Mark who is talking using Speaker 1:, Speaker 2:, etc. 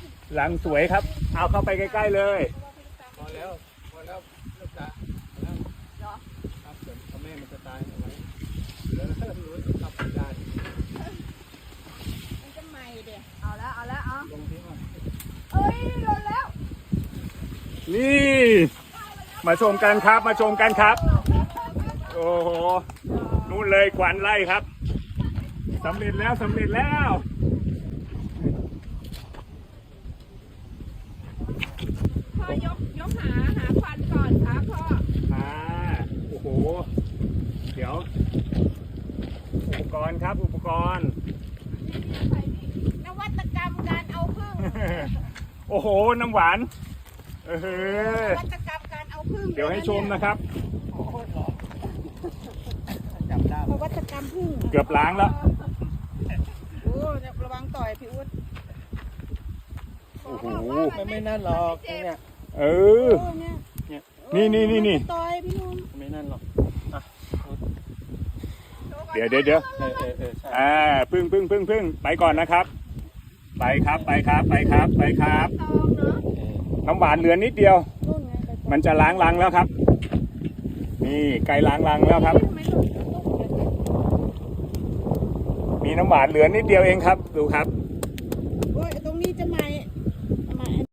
Speaker 1: รังสวยครับเอาเข้าไปใกล้ๆเลย
Speaker 2: พอแล้วเลิกตาแล้วครับเดี๋ยวแม่มันจะตายเอาไว้แล้วรู้ทำไม่ได้
Speaker 3: มันจะใหม่เดี๋ยวเอาแล้วเอา
Speaker 2: ลงที่ว่า
Speaker 3: เอ้ยหล่นแล้ว
Speaker 1: นี่มาชมกันครับมาชมกันครับโอ้โหนู่นเลยขวัญไล่ครับสำเร็จแล้วสำเร็จแล้ว
Speaker 3: พ่อยกหาควันก่อนครับพ่อ
Speaker 1: โอ้โหเดี๋ยวอุปกรณ์ครับอุปกรณ์
Speaker 3: นวัตกรรมการเอาผึ้ง
Speaker 1: โอ้โหน้ำหวาน
Speaker 3: นวัตกรรมการเอาผึ้ง
Speaker 1: เดี๋ยวให้ชมนะครับ
Speaker 2: จับได้
Speaker 3: นวัตกรรมผึ้ง
Speaker 1: เกือบล้างแล้ว
Speaker 3: โอ้ระวังต่อยพี่อุ๊ด
Speaker 1: โอ้โห
Speaker 2: มันไม่นั่นหรอกเนี่ย
Speaker 1: เออ นี่
Speaker 3: ต่อยพี่นุ่ม
Speaker 2: ไม่นั่นหรอก
Speaker 1: เดี๋ยว
Speaker 2: ใช่
Speaker 1: พึ่งไปก่อนนะครับ ไปครับไปครับไปครับไปครับ
Speaker 3: ตองเนาะ
Speaker 1: น้ำหวานเหลือนิดเดียว
Speaker 3: นู่นไงไป
Speaker 1: มันจะล้างรังแล้วครับ นี่ไก่ล้างรังแล้วครับ
Speaker 3: ทำไมหล่นตุ๊ก
Speaker 1: มีน้ำหวานเหลือนิดเดียวเองครับดูครับ
Speaker 3: โอ้ยตัว